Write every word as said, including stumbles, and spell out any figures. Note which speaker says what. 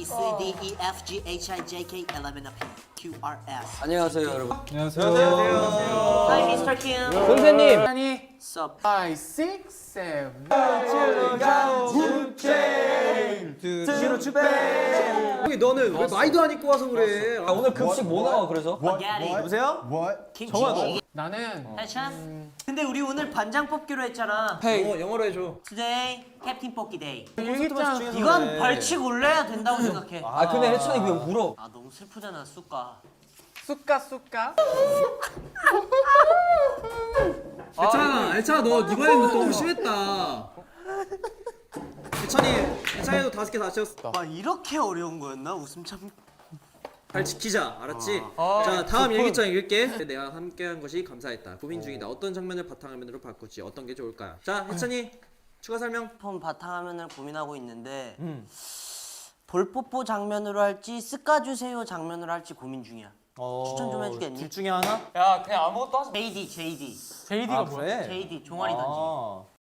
Speaker 1: C, D, E, F, G, H, I, J, K, L, M, N, Q, R, S.
Speaker 2: 안녕하세요 여러분.
Speaker 3: 안녕하세요.
Speaker 1: Hi, 미스터 Kim.
Speaker 2: 선생님.
Speaker 3: 아니,
Speaker 1: Sup?
Speaker 3: five, six, seven.
Speaker 4: 뒤로 추배. 형이 너는 왜 마이도 안 입고 와서 그래?
Speaker 2: 아, 오늘 급식 뭐 나와 그래서?
Speaker 1: Spaghetti.
Speaker 4: 여보세요?
Speaker 1: 김치.
Speaker 3: 나는
Speaker 1: 해찬? 근데 우리 오늘 반장 뽑기로 했잖아.
Speaker 4: 영어 영어로 해줘.
Speaker 1: Today, 캡틴 뽑기 데이.
Speaker 3: 일기장
Speaker 1: 이건 벌칙 올려야 된다고 생각해.
Speaker 2: 아 근데 해찬이 왜 울어?
Speaker 1: 아 너무 슬프잖아, 쑥가.
Speaker 3: 쑥가 쑥가.
Speaker 4: 애찬아, 애찬아 너 이번에는 너무 심했다. 애찬이, 애찬이도 다섯 개 다 채웠어.
Speaker 1: 와 이렇게 어려운 거였나? 웃음 참.
Speaker 4: 잘 지키자, 알았지?
Speaker 3: 아.
Speaker 4: 자, 다음 일기장 읽을게. 내가 함께한 것이 감사했다. 고민 중이다. 어떤 장면을 바탕화면으로 바꾸지? 어떤 게 좋을까요? 자, 해찬이 추가 설명.
Speaker 1: 폰 바탕화면을 고민하고 있는데 볼뽀뽀 장면으로 할지 쓱까주세요 장면으로 할지 고민 중이야. 추천 좀 해주겠니?
Speaker 4: 둘 중에 하나?
Speaker 3: 야, 그냥 아무것도 하지 마.
Speaker 1: 제이디, 제이디.
Speaker 3: 제이디가 뭐야?
Speaker 1: 제이디 종아리 던지기.